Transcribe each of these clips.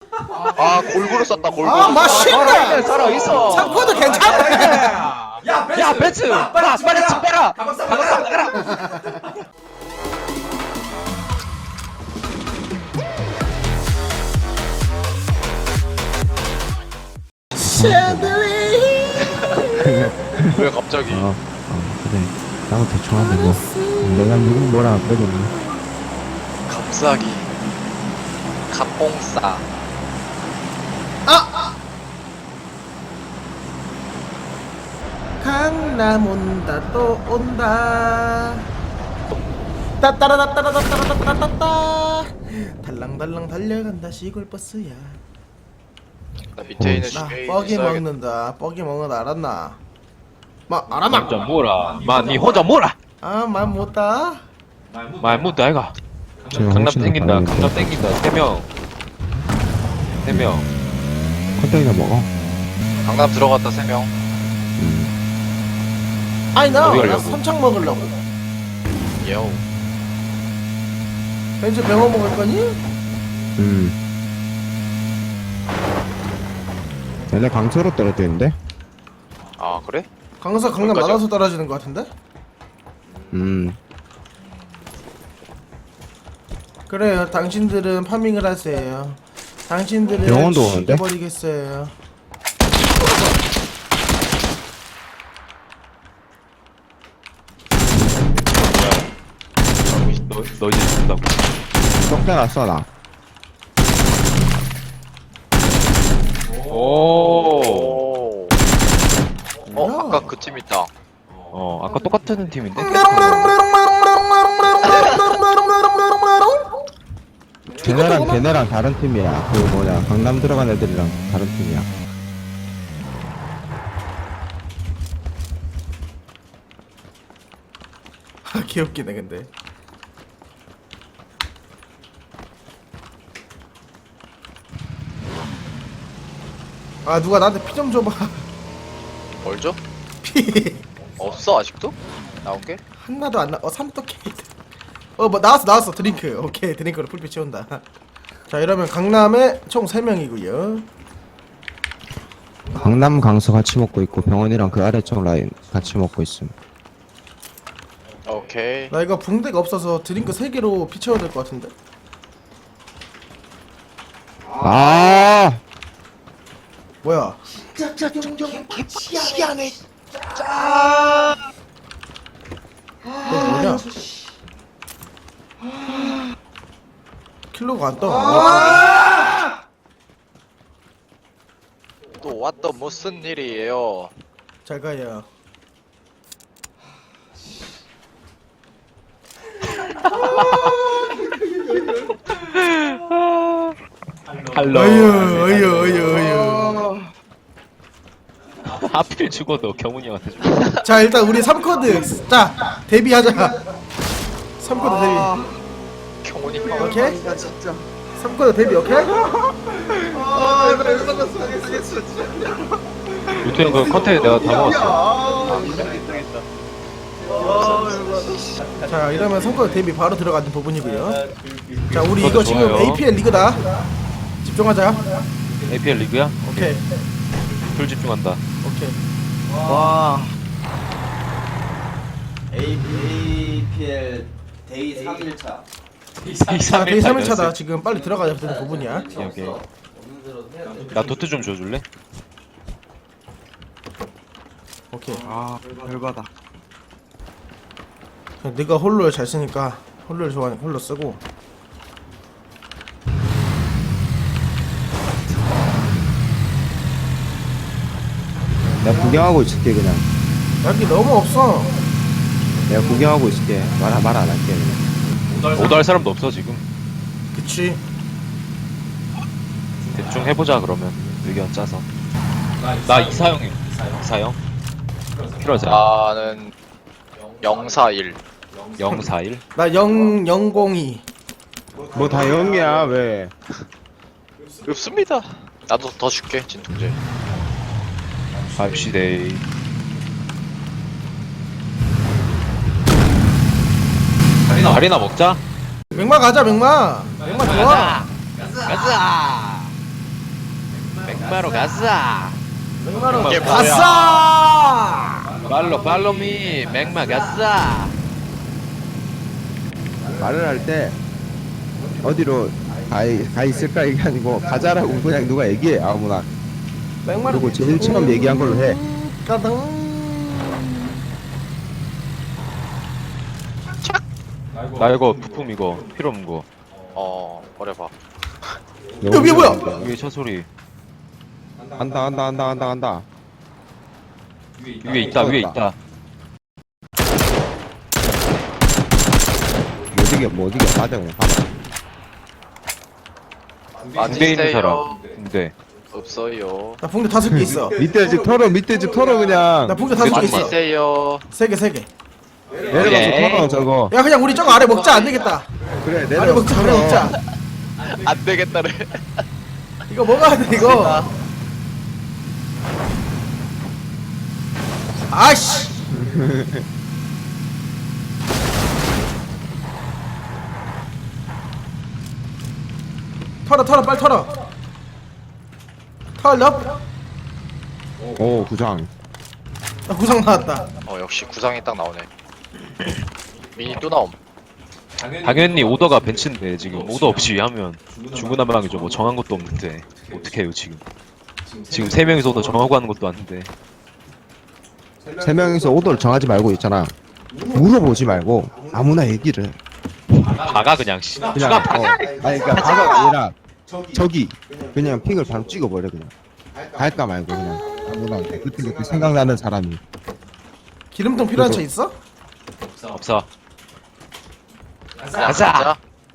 아 골고루 썼다 골고루. 아 맛있네. 살아있어. 상코도 괜찮네. 야 벤츠 빨리 집 빼라. 가방상 빼라. 왜 갑자기? 그래. 나도 대충 하는데 뭐. 내가 누구 뭐라 그러겠니? 갑자기 갑봉싸. 강남 온다 또 온다. 따따라따따라따따따따따. 달랑달랑 달려간다 시골 버스야. 나 밑에 있는 나 슈게이 뻐기 있어야겠다. 먹는다. 뻐기 먹는 거 알았나? 알았나? 혼자 뭐라. 니 혼자 뭐라. 말 못다. 말 못다 아이가. 제가 강남 훨씬 더 땡긴다. 빠르겠다. 강남 땡긴다. 3명. 3명. 컷땡이나 먹어. 강남 들어갔다 3명. 아니 나 어디 가려고? 삼창 먹으려고. 예오. 벤츠 병어 먹을 거니? 얘네 강철로 떨어지는데? 아 그래? 강남 거기까지야? 나눠서 떨어지는 거 같은데? 그래요. 당신들은 파밍을 하세요. 당신들은 병원도 오는데? 죽여버리겠어요. 너 이제 죽는다고. 썩대놨어 나. 오. 어 아까 그 팀 있다. 아까 똑같은 팀인데. 걔네랑 다른 팀이야. 그 뭐냐 강남 들어간 애들이랑 다른 팀이야. 귀엽기네 근데. 누가 나한테 피 좀 줘봐. 뭘 줘? 피 없어 아직도? 나온 게? 하나도 안 나. 삼도 케이트. 뭐 나왔어 드링크. 오케이 드링크로 풀빛 채운다. 자 이러면 강남에 총 3명이고요. 강남 강서 같이 먹고 있고 병원이랑 그 아래쪽 라인 같이 먹고 있음. 오케이. 나 이거 붕대가 없어서 드링크 3개로 피 채워야 될 것 같은데. 뭐야? 너 뭐냐? 킬로가 안 떠. 또 왔던 무슨 일이에요? 잘 가요. 할로. 어휴. 하필 죽어도 경훈이 형한테 죽어. 자 일단 우리 3코드 자 데뷔하자. 3코드 데뷔. 경훈이 형. 오케이? 3코드 데뷔 오케이? 요트형 그 컨테이너 내가 다 먹었어. 자 이러면 3코드 데뷔 바로 들어가는 부분이고요. 자 우리 이거 좋아요. 지금 APL 리그다. 집중하자. APL 리그야? 오케이 풀 집중한다. 오케이. 와. APL 데이 3일차. 자 데이 3일차다. 지금 빨리 들어가야 되는 부분이야. 오케이. 나 도트 좀 줘줄래? 오케이. 열받아. 네가 홀로를 잘 쓰니까 홀로를 좋아하니 홀로 쓰고. 내가 구경하고 있을게 그냥. 약이 너무 없어. 내가 구경하고 있을게. 말 안 할게 그냥. 오더 할 사람도 없어 지금. 그치. 대충 해보자 그러면 의견 짜서. 나 이사영이요. 이사영? 필요하지 않아. 나는 041. 041? 나 002. 뭐 다 영이야 왜? 없습니다. 나도 더 줄게 진통제. 갑시데이. 다리나 먹자. 맥마 가자 맥마. 맥마 좋아. 가자. 맥마로 가자. 맥마로 이게 뭐야? 가자. 팔로미 맥마 가자. 말을 할 때 어디로 가 있을까 이게 아니고 가자라고 그냥 누가 얘기해 아무나. 맥마로 그리고 제일 처음 얘기한 걸로 해. 까당. 나 이거 부품 이거 필요 없는 거. 버려봐. 야, 위에 뭐야? 위에 첫 소리. 간다. 위에 있다 위에 있다. 뭐 어디게 가자 그냥 가자. 군대 있는 사람. 맞으세요? 군대. 없어요. 나 붕대 5개 있어. 밑에 집 털어 그냥. 나 붕대 5개 있어. 맞으세요? 3개. 내려가서 그래. 털어 저거. 야 그냥 우리 저거 아래 먹자. 안 되겠다. 그래 아래 내려가서 먹자. 아래 털어. 먹자. 안 되겠다래. 이거 먹어야 돼 이거. 아씨. 털어 빨리 털어. 털어. 오 구상. 나 구상 나왔다. 역시 구상이 딱 나오네. 미니 또 나옴. 당연히 오더가 벤츠인데 지금 오더 없이 하면 중구난방이죠. 뭐 정한 것도 없는데 어떻게 해요 지금? 지금 3명이서 오더 정하고 하는 것도 아닌데. 3명이서 오더를 정하지 말고 있잖아. 물어보지 말고 아무나 얘기를 해. 박아 그냥 씨. 그냥 누가 박아? 아니 그러니까 바가 아니라 저기 그냥 픽을 바로 찍어버려 그냥. 갈까 말고 그냥 아무나 그때 생각나는 사람이. 기름통 필요한 차 있어? 없어. 그냥 가자.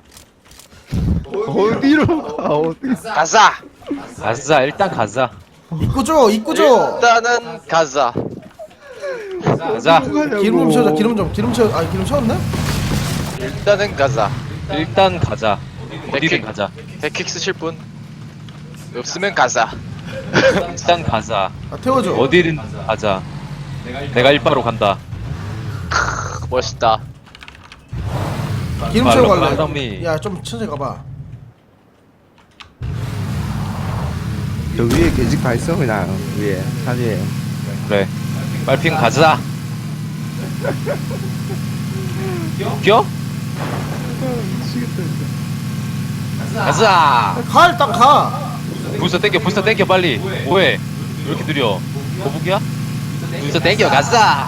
어디로 가 어디. 가자. 가자 일단 가자. 입구 줘. 일단은 가자. 가자. 기름 좀 채워줘. 기름 채워. 아 기름 채웠나? 일단은 가자. 일단 가자. 어디든 가자. 백킥 쓰실 분? 없으면 가자. 일단 가자. 아 태워줘. 어디든 가자. 내가 일바로 간다. 멋있다. 기름 채우고 말로 갈래. 팔로미. 야 좀 천천히 가봐. 저 위에 계집 가 있어 그냥 위에 산 위에. 그래. 빨핑 가자. 웃겨? 가자. 가 일단 가. 불사 땡겨 빨리. 뭐해? 왜 이렇게 느려? 거북이야? 불사 땡겨 가자.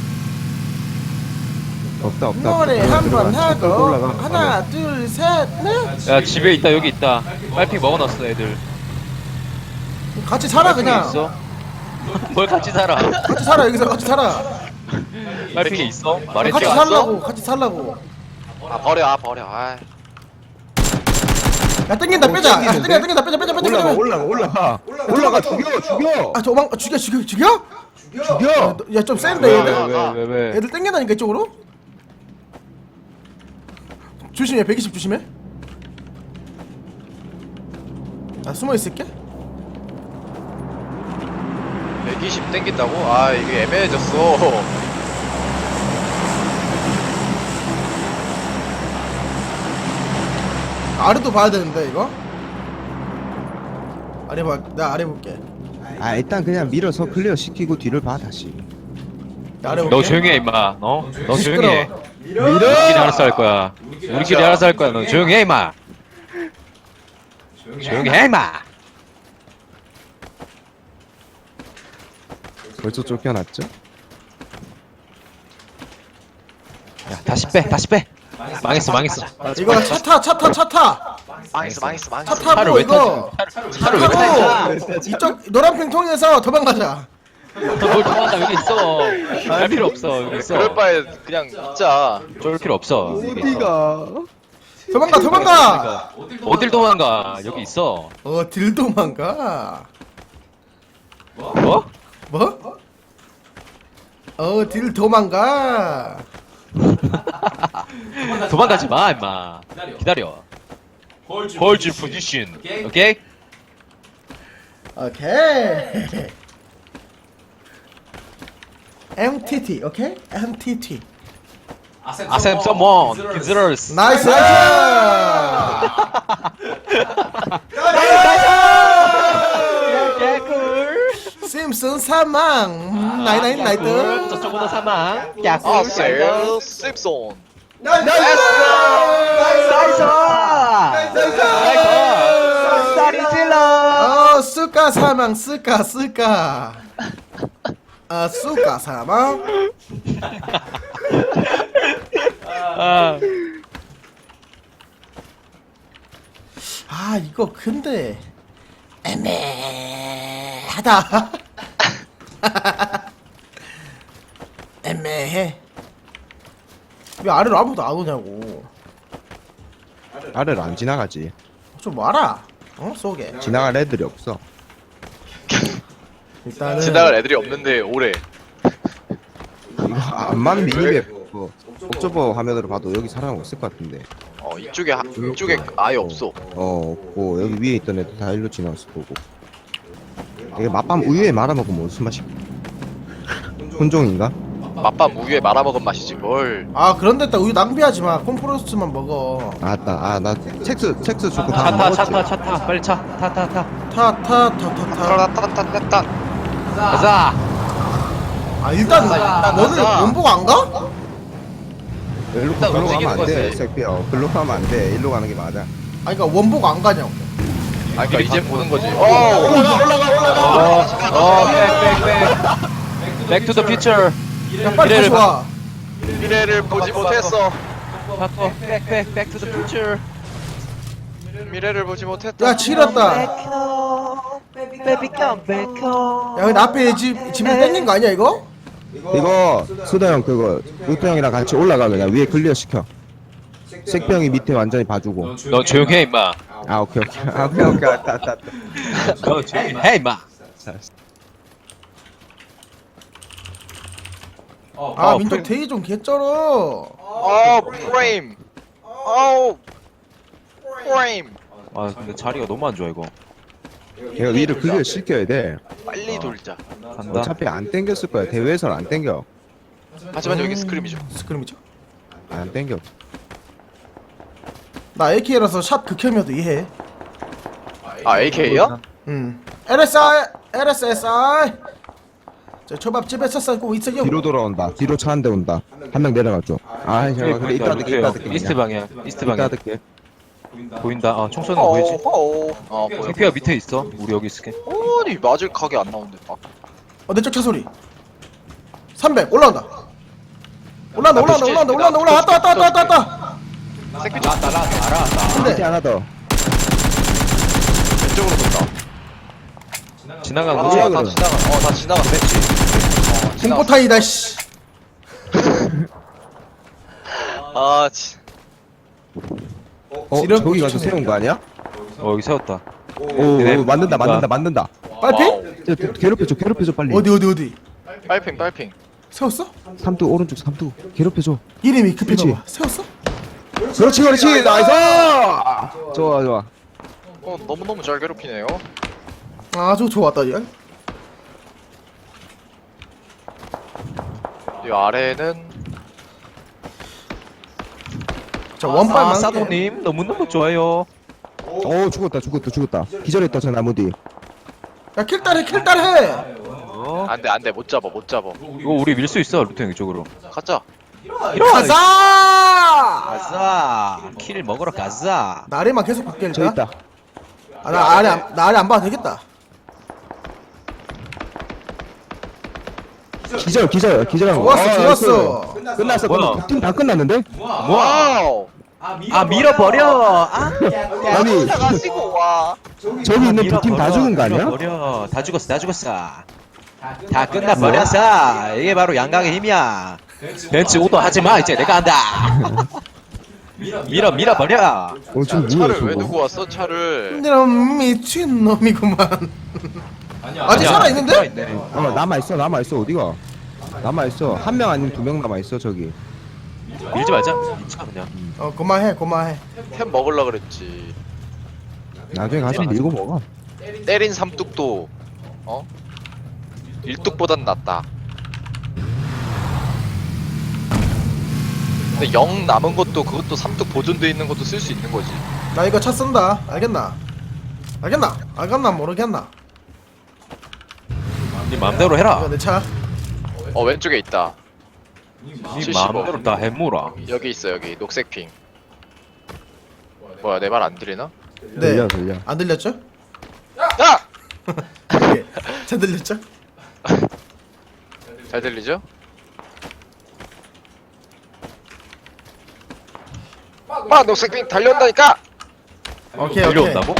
없다. 노래 한번 하고 올라가. 하나 둘 셋 넷. 야 집에 있다 여기 있다. 빨핑 먹어놨어 애들. 같이 살아 빨핑이 그냥. 있어? 뭘 같이 살아? 같이 살아 여기서 같이 살아. 빨핑이 있어? 말했지 같이 않았어? 살라고 같이 살라고. 버려. 야 땡긴다 빼자. 야 땡긴다 빼자. 올라가 죽여. 아 저방 죽여? 야 좀 센데 왜, 얘들. 왜? 애들 땡겨다니까 이쪽으로. 조심해 120 조심해. 나 숨어 있을게. 120 땡긴다고? 아 이게 애매해졌어. 아래도 봐야 되는데 이거. 아래 봐. 나 아래 볼게. 아 일단 그냥 밀어서 클리어 시키고 뒤를 봐 다시. 나 아래 볼게. 너 조용히 해 임마. 너 조용히 해. 시끄러워. 우리끼리 알아서 할 거야. 우리끼리 알아서 할 거야. 너 조용히 해 임마. 조용히 해 임마. 벌써 쫓겨났죠? 야 다시 빼. 망했어. 이거 차 타. 망했어. 차 차를 타고 왜 이거 차를 왜 타? 타고 이쪽 노란핑 통해서 도망가자. 뭘 도망가 여기 있어. 할 필요 없어 여기 있어. 그럴 바에 그냥 있자. 쫄 필요 없어. 어디가? 도망가. 어딜 도망가? 여기 있어. 어딜 도망가? 뭐? 뭐? 어딜 도망가? 도망가지 마 임마. 기다려. 홀즈 포지션. 오케이? 오케이. MTT 오케이? MTT. 아셈 someone considers. 나이스. 오케이 잭슨 사망. 나이나이 나이트. 저쪽 오더 사망. 아, 셀 씹손. 나이스! 쌀이 질러! 수가 사망 수가. 수가 사망. 이거 근데 애매하다. 애매해. 왜 아래로 아무도 안 오냐고. 아래를 안 지나가지. 좀 와라. 쏘게. 지나갈 애들이 없어. 일단은 지나갈 애들이 없는데 오래. 이거 안 맞는 미니맵 뭐 옥저버 화면으로 봐도 여기 사람 없을 것 같은데. 이쪽에 아예 없어. 없고 여기 위에 있던 애들 다 일로 지나갔을 거고. 이게 맛밤 우유에 말아먹으면 무슨 맛이? 혼종인가? 맛밤 우유에 말아먹은 맛이지 뭘. 그런데 딱 우유 낭비하지 마. 콤프로스트만 먹어. 나 첵스 좋고 다 차 타 먹었지. 차 타 차 타 빨리 차 타 타 타. 타타타타타. 타타타타타. 가자. 일단 일단 너는 가자. 원복 안 가? 일로 일단 글로 가면 움직이는 안 돼. 거지. 색피어. 글로 가면 안 돼. 일로 가는 게 맞아. 그러니까 원복 안 가냐고. 그러니까 이제 보는 거지. Back to the future. 야 빨리 다시 미래를 와. 미래를 보지 못했어. Back to the future. 미래를 보지 못했다. 야 지렸다. 야 Baby come back home. 근데 앞에 집을 땡긴 거 아니야 이거? 이거 수다 형 그거 루트 형이랑 같이 올라가 그냥 위에 클리어 시켜. 색병이 밑에 완전히 봐주고. 너 조용해 임마. 오케이. 오케이. 알았다. 너 조용해 임마. 민족 대기 좀 개쩔어. 프레임. 프레임. 근데 자리가 너무 안 좋아 이거. 얘가 위를 클리어 시켜야 돼. 빨리 돌자. 간다. 어차피 안 땡겼을 거야. 대회에서는 안 땡겨. 하지만 여기 스크림이죠. 스크림이죠. 안 땡겨. 나 AK라서 샷 극혐이어도 이해해. AK야? LSI. 저 초밥집에서 썰고 있어요. 뒤로 돌아온다. 뒤로 차 한 대 온다. 한 명 내려가죠. 그래 이따 듣게. 이스트 방향. 이스트 이따 방향. 듣게. 보인다. 총 쏘는 거 보이지? 보여. 생피가 밑에 있어. 우리 여기 있을게. 아니 맞을 각이 안 나오는데. 내 쪽 차 소리. 300 올라온다. 올라온다. 왔다. 새끼 나왔다. 근데 밑에 하나 더. 왼쪽으로 돈다. 지나가는 다 거지? 지나가. 다 지나가. 됐지. 공포타이다 씨. 지름 저기 가서 붙이네. 세운 거 아니야? 여기 세웠다. 오, 네. 만든다. 빨핑? 괴롭혀줘 빨리. 어디? 빨핑. 세웠어? 삼두 오른쪽 삼두 괴롭혀줘. 이름이 급해 그치. 봐봐. 세웠어? 그렇지 나이스. 좋아. 너무너무 잘 괴롭히네요. 아주 좋았다 얘. 이 아래는 자 원빨 많게. 사도님 너무너무 좋아요. 오 죽었다. 기절했다 저 나무 뒤. 야 킬딸해. 안돼 못 잡아. 이거 우리 밀 수 있어 루트 형 이쪽으로. 가자. 가자. 가자. 킬 먹으러 가자. 나래만 계속 바뀔까? 저 있다. 나 아래 안 봐도 되겠다. 기절한 거. 좋았어. 끝났어. 뭐야? 팀 다 끝났는데? 와우. 밀어버려. 아니 가시고 와. 저기 있는 두 팀 다 죽은 거 아니야? 밀어버려. 다 죽었어. 다 끝나버렸어. 이게 바로 양강의 힘이야. 벤츠 오도 하지 마. 이제 내가 한다. 밀어버려. 지금 차를 뭐야 왜 두고 저거? 왔어? 차를. 놈 미친 놈이구만. 아직 살아 있는데? 남아있어 어디가? 남아있어. 한 명 아니면 두 명 남아있어 저기. 밀지 말자. 차 그냥. 그만해. 템 먹을라 그랬지. 나중에 가서 밀고 먹어. 때린 삼뚝도 일뚝보단 낫다. 근데 0 남은 것도 그것도 삼뚝 보존돼 있는 것도 쓸 수 있는 거지. 나 이거 차 쓴다. 알겠나? 모르겠나? 네 맘대로 해라. 이거 내 차. 왼쪽에 있다. 네 75. 맘대로 다 해모라. 여기 있어 여기 녹색 핑. 뭐야 내 말 안 들리나? 네. 들려. 안 들렸죠? 아! 예. 잘 들렸죠? 잘 들리죠? 녹색 핑 달려온다니까! 오케이. 달려온다고?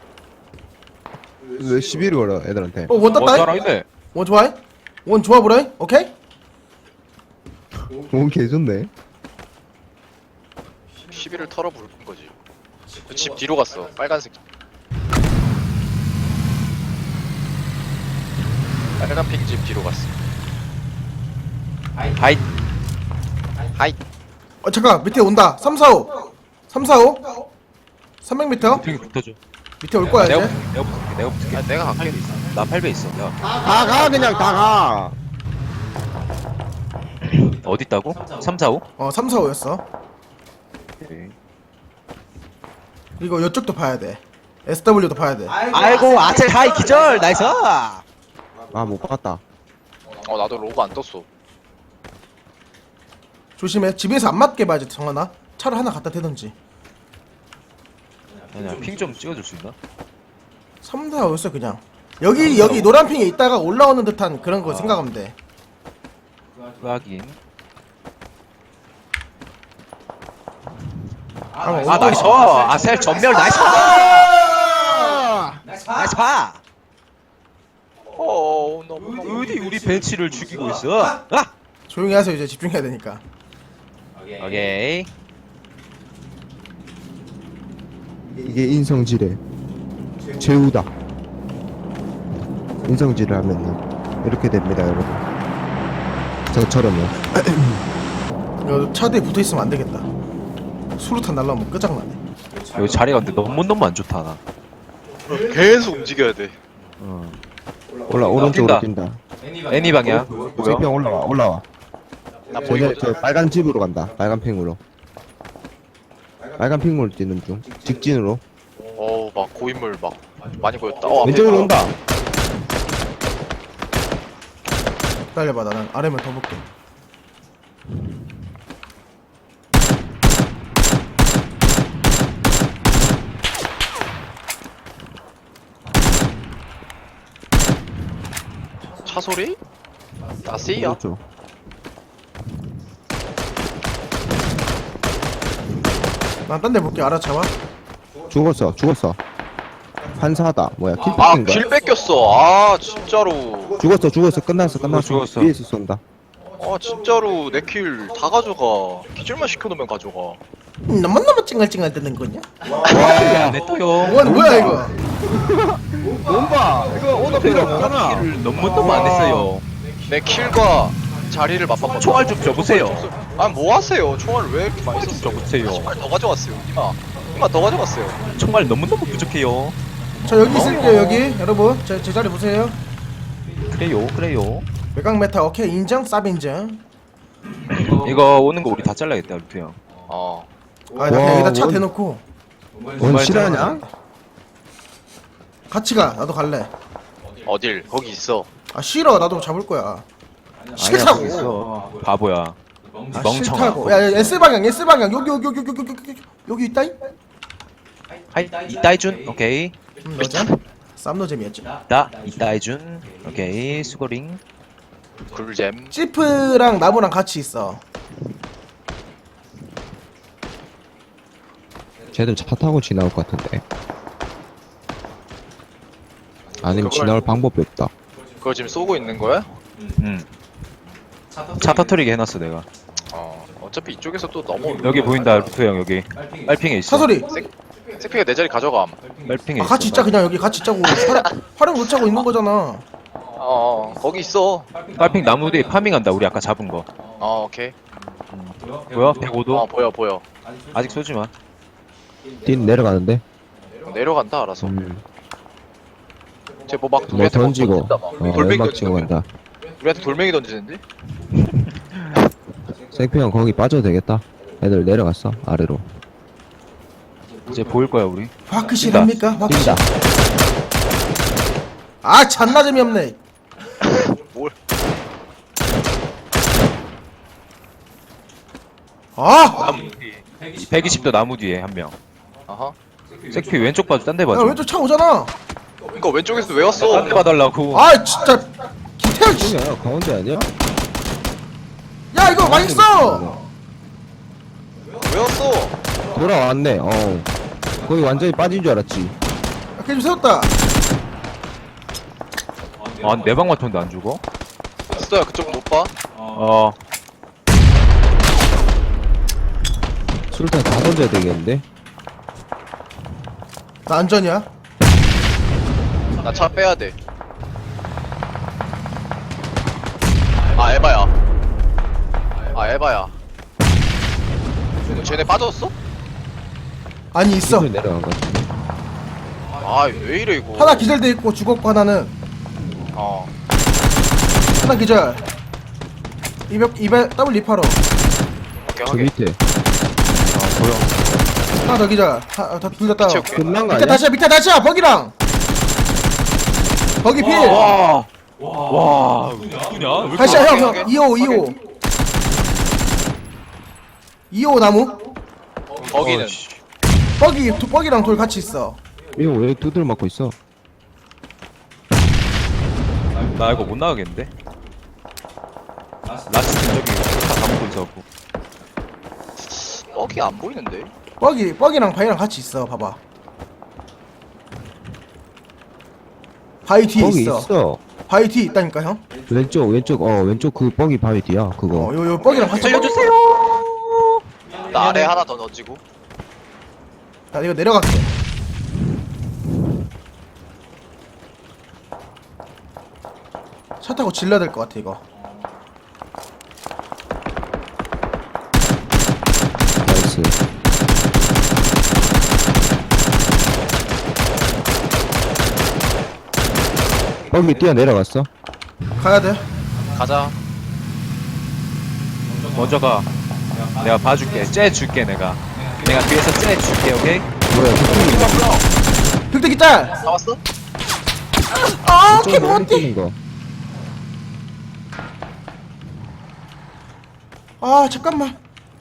왜 시비를 걸어 애들한테? 원 땄다. 잘하네. 원 좋아해? 원 좋아 보라. 오케이? 오 개좋네. 시비를 털어 부른 거지. 그 집 뒤로 갔어. 빨간색. 빨간 핑 집 뒤로 갔어. 하이. 하이. 잠깐 밑에 온다. 345. 345. 300m 되게 붙어줘. 밑에 올 거야 내가 이제. 붙을게. 내가 붙을게. 아, 내가 갈게. 나 8배 있어. 내가. 다가 그냥 다가. 어디 있다고? 3, 4, 5? 345였어. 오케이. 그리고 이쪽도 봐야 돼. SW도 봐야 돼. 아이고 아첼 하이 기절 나이스. 아못 봤다. 나도 로고 안 떴어. 조심해. 집에서 안 맞게 봐야지 정하나. 차를 하나 갖다 대던지. 아니야, 핑 좀 찍어줄 수 있나? 345였어 그냥. 여기 노란 핑에 있다가 올라오는 듯한 그런 거 생각하면 돼. 확인. 아 나이스. 아셀 전멸 나이스. 나이스 파. 너무. 어디 우리 벤치를 죽이고 있어? 아! 조용히 하세요. 이제 집중해야 되니까. 오케이. 이게 인성질의 제우다. 인성질을 하면은 이렇게 됩니다, 여러분. 저처럼요. 이거 차 뒤에 붙어 있으면 안 되겠다. 수류탄 날라오면 끝장나네. 여기 자리가 근데 너무 안 좋다 나. 계속 움직여야 돼. 오른쪽으로 뛴다. 뛴다. 애니 방향. sek평 올라와. 나 보이거든. 저 빨간 집으로 간다. 빨간 핑으로. 빨간 핑으로 뛰는 중. 직진으로. 막 고인물 막 많이 보였다. 왼쪽으로 온다. 기다려봐. 나는 아래면 더 볼게. 차 소리? 아 C야? 오른쪽. 난 딴 데 볼게. 알아차와. 죽었어. 판사다. 뭐야? 아 킬패인가? 길 뺏겼어. 진짜로. 죽었어. 끝났어. 죽었어. 위에서 쏜다. 진짜로 내 킬 다 가져가. 기절만 시켜놓으면 가져가. 너무 찡얼찡얼 뜨는 거냐? 와, 내 또요. 뭐야 이거? 뭔가 이거 오더 필요 없잖아. 너무 안 했어요. 내 킬과 자리를 맞바꿨다. 총알 좀 줘보세요. 뭐 하세요? 총알을 왜 이렇게 많이 썼어요? 줘보세요. 총알 더 가져갔어요. 이마 더 가져갔어요. 총알 너무 부족해요. 저 여기 있을게요. 여기 여러분 제 자리 보세요. 그래요. 외곽 메타 오케이 인정. 쌉 인정. 이거 오는 거 우리 다 잘라야겠다, 루트 형. 나 그냥 와, 여기다 차 원- 대놓고 원 실화냐? 같이 가. 나도 갈래. 어딜? 거기 있어. 싫어. 나도 잡을 거야. 아니야, 싫다고. 거기 있어. 바보야. 멍청아. 싫다고. 야 S 방향 여기 있다이. 하이, 이따 해준. 오케이. 너자. 쌈노 재미였지. 이따 해준. 오케이. 수고링. 굴잼. 지프랑 나무랑 같이 있어. 쟤들 차 타고 지나올 것 같은데. 아니면 지나올 방법이 없다. 그거 지금 쏘고 있는 거야? 차 터트리게 해놨어, 내가. 어차피 이쪽에서 또 넘어. 여기 보인다, 루트 형, 여기. 빨핑에 있어. 사소리. 세피가 내 자리 가져감. 빨핑에 있어. 같이 있자. 그냥 여기 같이 있자고. 활용 못 차고 있는 거잖아. 거기 있어. 빨핑 나무 뒤에 파밍한다, 우리 아까 잡은 거. 오케이. 뭐야? 105도? 보여. 아직 쏘지 마. 뛴 내려가는데. 내려간다 알아서. 쟤 뭐 막 뭐 던지고. 돌멩이 연막 치고 던지는 간다. 우리한테 돌멩이 던지는데? 생평 거기 빠져도 되겠다. 애들 내려갔어 아래로. 이제 보일 거야, 우리. 화크실합니까? 뛴다. 아 잔나 재미없네. 아! 120도 나무 뒤에 한 명. 아하. 색피 왼쪽 봐줘, 딴 데 야 봐줘. 왼쪽 차 오잖아. 그니까 왼쪽에서 왜 왔어? 딴 데 봐달라고. 아 진짜 김태형 씨. 아니야 가운데 아니야? 야 이거 망했어. 왜 왔어? 돌아왔네. 거기 완전히 빠진 줄 알았지. 걔좀 세웠다. 아, 내 방 맞췄는데 안 죽어? 스토야 그쪽 못 봐? 어. 술탄 다 던져야 되겠는데? 나 안전이야. 나 차 빼야 돼. 아 에바야. 아 에바야. 쟤네 빠졌어? 아니 있어. 술 내려간 거 같은데. 아 왜 이래 이거. 하나 기절돼 있고 죽었고 하나는 어. 하나 기절. 200 더블 리파로. 오케이 저 확인. 밑에. 보여. 하나 더 기절. 둘 다 따로. 채울게. 끝난 거 밑에 아니야? 다시야 밑에 다시야 버기랑. 버기 필. 와. 와. 누구냐? 다시야 형 오케이, 2호 2호 나무. 거기는 버기랑 돌 같이 있어. 이거 왜 두들 맞고 있어? 나 이거 못 나가겠는데? 라스트 저기 다 먹고 있어갖고. 뻑이 안 보이는데. 버기랑 바위랑 같이 있어. 봐봐. 바위 뒤에 거기 있어. 있어. 바위 뒤에 있다니까 형. 왼쪽 그 뻑이 바위 뒤야 그거. 요 버기랑 같이. 살려주세요. 나 아래 하나 더 던지고. 나 이거 내려갈게. 차 타고 질러야 될 것 같아 이거. 나이스. 뻑이 뛰어 내려갔어. 가야 돼. 가자. 먼저 가. 내가 봐줄게. 째 줄게 내가. 내가 뒤에서 째 줄게. 오케이? 뭐야 그 빅대기 짤. 나왔어? 아, 좀 캐 멀리 못해. 뛰는 거. 아, 잠깐만.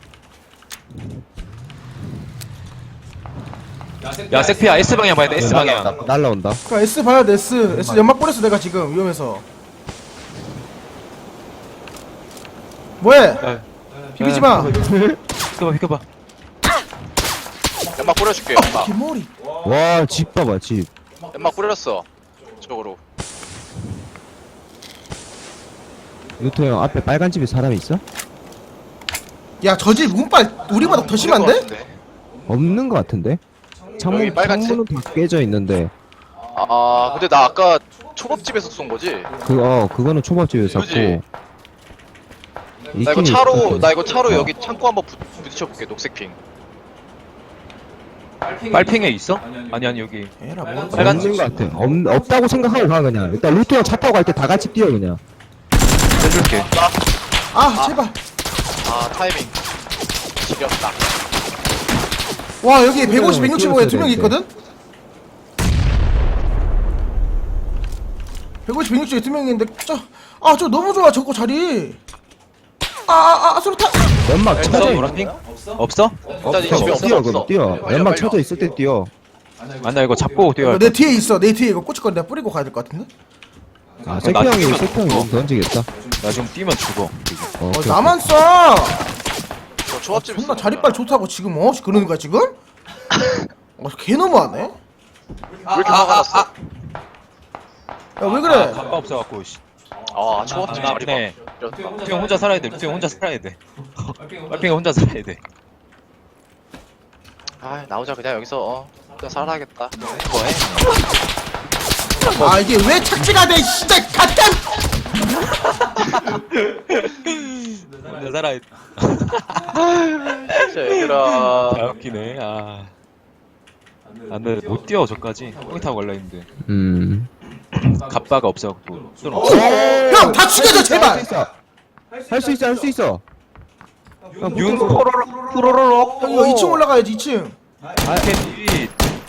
야, 색피야. S방향 봐야 돼. S방향. 날라온다. 그러니까 S 봐야 돼. S 연막 뿌렸어 내가 지금 위험해서. 뭐해? 야, 비비지 마. 비켜봐. 연막 뿌려줄게. 연막. 기모리. 와 집 봐봐 집. 연막 뿌렸어. 이쪽으로. 루토 형 앞에 빨간 집에 사람이 있어? 야, 저 집 운빨 우리보다 더 심한데? 없는 거 같은데? 창문 여기 빨간 집? 창문은 다 깨져 있는데 아 근데 나 아까 초밥집에서 쏜 거지? 그거는 초밥집에서 그지? 샀고. 나 이거 차로 여기 창고 한번 부딪혀 볼게. 녹색 핑. 빨핑에 있어? 아니 여기. 에라 뭐. 빨간 없는 거 같아. 없다고 생각하고 가 그냥. 일단 루토 형 차 타고 갈 때 다 같이 뛰어 그냥. 해줄게. 아, 제발. 아 타이밍. 지렸다. 와, 여기 150, 165에 두 명 있거든? 150, 160에 두 명 있는데 저 너무 좋아 저거 자리. 소리타. 연막 없어? 쳐져 노란핑? 없어? 일단 이 집에 없어 뛰어 없어. 그럼 뛰어. 빨려, 연막 빨려. 쳐져 있을 때 뛰어. 아나 이거 잡고 뛰어야 내 뒤에 있어. 내 뒤에 이거 꼬치건 내가 뿌리고 가야 될 것 같은데? 아 세표 나 형이 뛰면 세표 형이 죽어. 너무 던지겠다. 나 지금 뛰면 죽어. 오케이, 나만 쏴. 저 초밥집에서 존나 쏜 자리빨 좋다고 지금 그러는 거야 지금? 개 너무하네. 거야. 왜 이렇게 화가 났어? 야, 왜 그래? 가빠 없어갖고. 씨. 아 초밥집 나 자리 봐. 네. 이런- 루팅 혼자 살아야 돼. 루팅 혼자 살아야 돼. 빨핑이 혼자 살아야 돼. 아 나오자 그냥 여기서 그냥 살아야겠다. 뭐해? 아, 이게 왜 착지가 돼? 진짜 갓단. 혼자 살아야 돼. 진짜 얘들아. 다 웃기네. 아. 안돼 못 뛰어 저까지. 똥이 타고 걸려 있는데. 갑바가 없어갖고. 형, 다 죽여줘 제발. 할 수 있어. 형 윤 붙어서. 호로록. 형 이거 2층 올라가야지 2층. 아케이.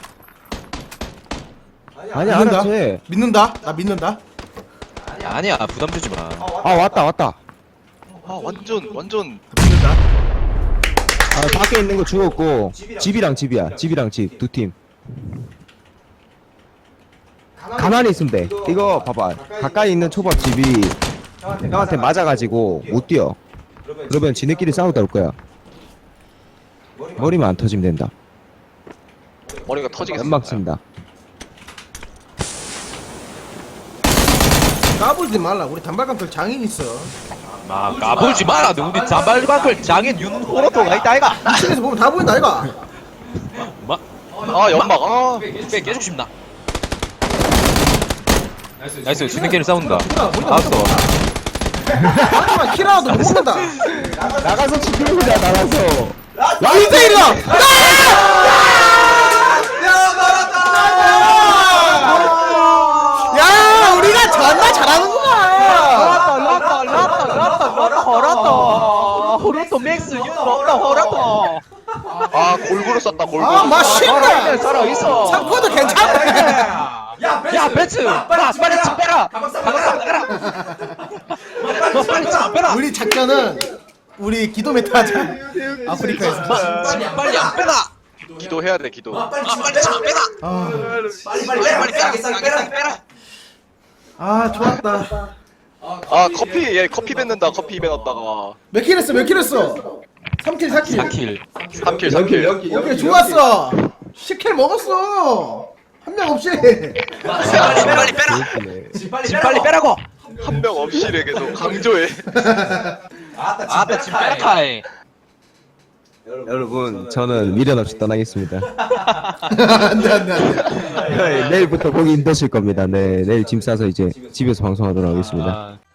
아니야 믿는다. 알았지. 믿는다. 나 믿는다. 아니야 부담 주지 마. 아 왔다. 아 완전 믿는다. 밖에 있는 거 죽었고 집이랑 집이야. 집이랑 집 두 팀. 가만히 있으면 돼. 이거 봐봐. 가까이 있는 초밥집이 형한테 맞아가지고 못 뛰어. 그러면 지네끼리 싸우다 올 거야. 머리만 안 터지면 된다. 머리가 터지겠어. 연막 쓴다. 까불지 말라. 우리 단발감들 장인 있어. 막 까불지 마라. 우리 자발광클 장인 윤호로토가 있다 아이가. 이쪽에서 보면 다 보인다 아이가. 마 아 연막. 아 깨주고 싶나? 나이스. 지네끼리 싸운다. 뭐야, 머리가 나왔어. 하지만 키라도 못 먹는다. 나가서 치킨이다 나가서. 야 1대1이다. 야 우리가 존나 잘하는구나. 호로토 맥스 호로토. 아 골고루 썼다 골고루. 아 맛있다. 살아있어. 3코드 괜찮네. 야 벤츠 빨리 집 빼라. 너 빨리 집 빼라. 우리 작전은 우리 기도 메타 하자. 아프리카에서. 빨리 안 빼라. 기도해야 돼 기도. 빨리 집 빼라. 아, 빨리 빼라. 아 좋았다. 아 커피 얘 커피 뱉는다. 커피 뱉었다가 몇 킬 했어? 몇 킬 했어? 3킬 4킬. 4킬. 3킬 3킬. 오케이 좋았어. 10킬 먹었어. 한 명 없이. 빨리 빼라. 집 빨리 빼라고. 한 명 없이래 계속 강조해. 아따 지금 빼라카이. 여러분 저는 미련 없이 떠나겠습니다. 안돼 안돼 안돼. 내일부터 보기 힘드실 겁니다. 네, 내일 짐 싸서 이제 집에서 방송하도록 하겠습니다. 아,